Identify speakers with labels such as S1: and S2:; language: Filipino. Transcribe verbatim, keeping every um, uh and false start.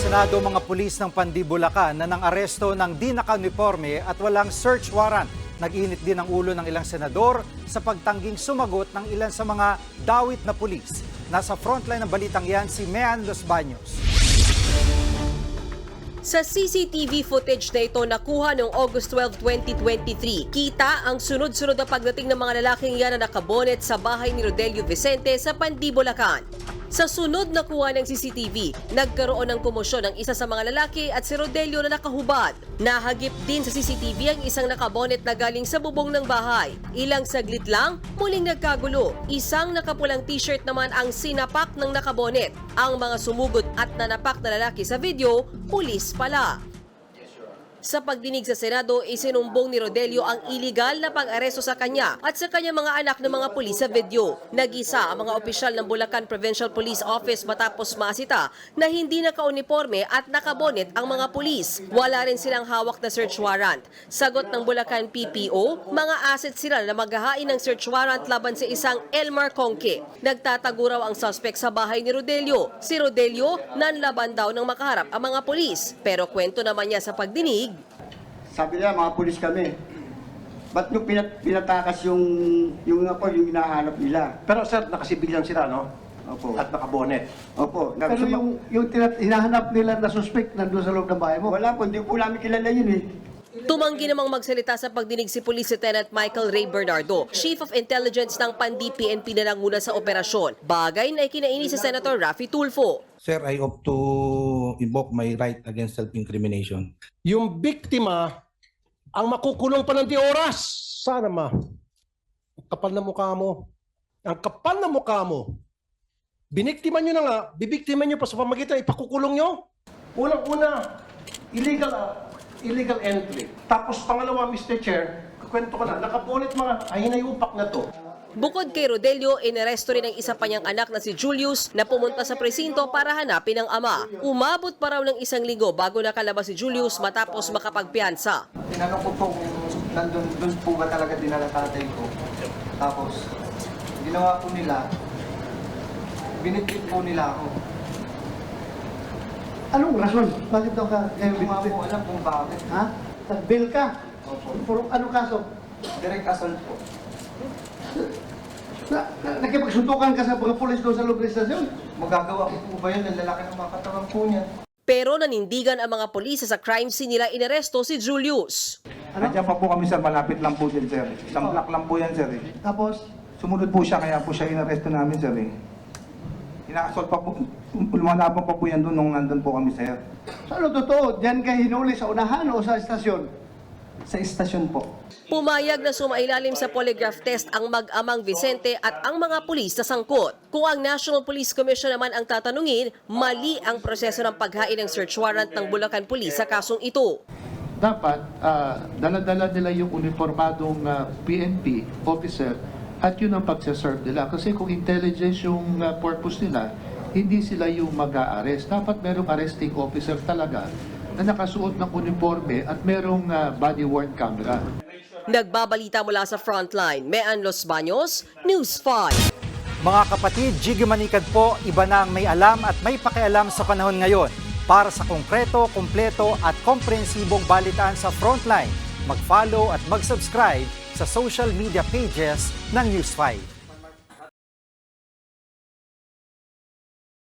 S1: Senado mga pulis ng Pandibulacan na nang aresto ng di naka-uniforme at walang search warrant. Nag-init din ang ulo ng ilang senador sa pagtangging sumagot ng ilan sa mga dawit na pulis. Nasa frontline ng balitang yan si Mean Los Baños.
S2: Sa C C T V footage na ito nakuha noong August twelve, twenty twenty-three, kita ang sunod-sunod na pagdating ng mga lalaking yan na nakabonet sa bahay ni Rodelio Vicente sa Pandibulacan. Sa sunod na kuha ng C C T V, nagkaroon ng komosyon ng isa sa mga lalaki at si Rodelio na nakahubad. Nahagip din sa C C T V ang isang nakabonet na galing sa bubong ng bahay. Ilang saglit lang, muling nagkagulo. Isang nakapulang t-shirt naman ang sinapak ng nakabonet. Ang mga sumugod at nanapak na lalaki sa video, pulis pala. Sa pagdinig sa Senado, isinumbong ni Rodelio ang iligal na pag-aresto sa kanya at sa kanyang mga anak ng mga pulis sa video. Nag-isa ang mga opisyal ng Bulacan Provincial Police Office matapos masita na hindi naka-uniforme at nakabonet ang mga pulis. Wala rin silang hawak na search warrant. Sagot ng Bulacan P P O, mga asset sila na maghahain ng search warrant laban sa isang Elmar Conque. Nagtatago raw ang suspect sa bahay ni Rodelio. Si Rodelio, nanlaban daw ng makaharap ang mga pulis. Pero kwento naman niya sa pagdinig,
S3: sabi nila, mga pulis kami. Ba't nyo pinat pinatakas yung, yung ako, yung hinahanap nila?
S4: Pero sir, nakasibil lang sila, no?
S3: Opo.
S4: At nakabonet.
S3: Opo.
S5: Pero yung, yung tinat- hinahanap nila na suspect nandun sa loob ng bahay mo?
S3: Wala po, hindi po namin kilala yun eh.
S2: tumanggi namang magsalita sa pagdinig si Police Lieutenant Michael Ray Bernardo, Chief of Intelligence ng Pandi P N P na nanguna sa operasyon. Bagay na ikinaini si Senator Raffy Tulfo.
S6: Sir, I opt to invoke my right against self-incrimination.
S4: Yung biktima, ang makukulong pa ng di oras. Sana ma. Ang kapal na mukha mo. Ang kapal na mukha mo. Biniktima nyo na nga, bibiktima nyo pa sa pamagitan, ipakukulong nyo. Unang-una, illegal, uh, illegal entry. Tapos pangalawa, Mister Chair, kwento ko na, nakabonet mga ahinayupak na to.
S2: Bukod kay Rodelio, inaresto rin ang isa pa niyang anak na si Julius na pumunta sa presinto para hanapin ang ama. Umabot pa raw ng isang linggo bago nakalabas si Julius matapos makapagpiyansa.
S7: Tinanong ko po kung nandun dun po ba talaga dinala tatay ko. Tapos, ginawa po nila, binitbit po nila ako.
S5: Anong rason? Bakit daw ka kayo
S7: Hindi ko nga
S5: binibit?
S7: po alam kung bakit.
S5: Ha? Nag-bail ka?
S7: Opo.
S5: For anong kaso?
S7: Direct assault po.
S5: Na, na, nakipagsuntukan ka sa mga pulis doon sa loob ng istasyon?
S7: Magagawa ko po ba yun? Ang lalaki ng mga katawan po niya.
S2: Pero nanindigan ang mga pulis sa crime scene nila inaresto si Julius.
S5: Ano?
S8: Nandiyan pa po kami sir, malapit lang po din sir. Isang block lang po yan sir eh.
S5: Tapos,
S8: Sumunod po siya, kaya po siya inaresto namin sir eh. Ina-assault pa po, lumalaban pa po yan doon nung nandun po kami sir.
S5: so ano totoo? Diyan kayo hinuli sa unahan o sa istasyon?
S7: Sa istasyon po.
S2: Pumayag na sumailalim sa polygraph test ang mag-amang Vicente at ang mga pulis na sangkot. Kung ang National Police Commission naman ang tatanungin, mali ang proseso ng paghain ng search warrant ng Bulacan Police sa kasong ito.
S9: Dapat uh, dala-dala nila yung uniformadong uh, P N P officer at yun ang pagsaserve nila. Kasi kung intelligence yung uh, purpose nila, hindi sila yung mag-a-arrest. Dapat merong arresting officer talaga na nakasuot ng uniforme at merong uh, body-worn camera.
S2: Nagbabalita mula sa Frontline, Mean Los Baños, News five.
S1: Mga kapatid, Jiggy Manikad po, iba na ang may alam at may pakialam sa panahon ngayon. Para sa konkreto, kumpleto at komprehensibong balitaan sa Frontline, mag-follow at mag-subscribe sa social media pages ng News five.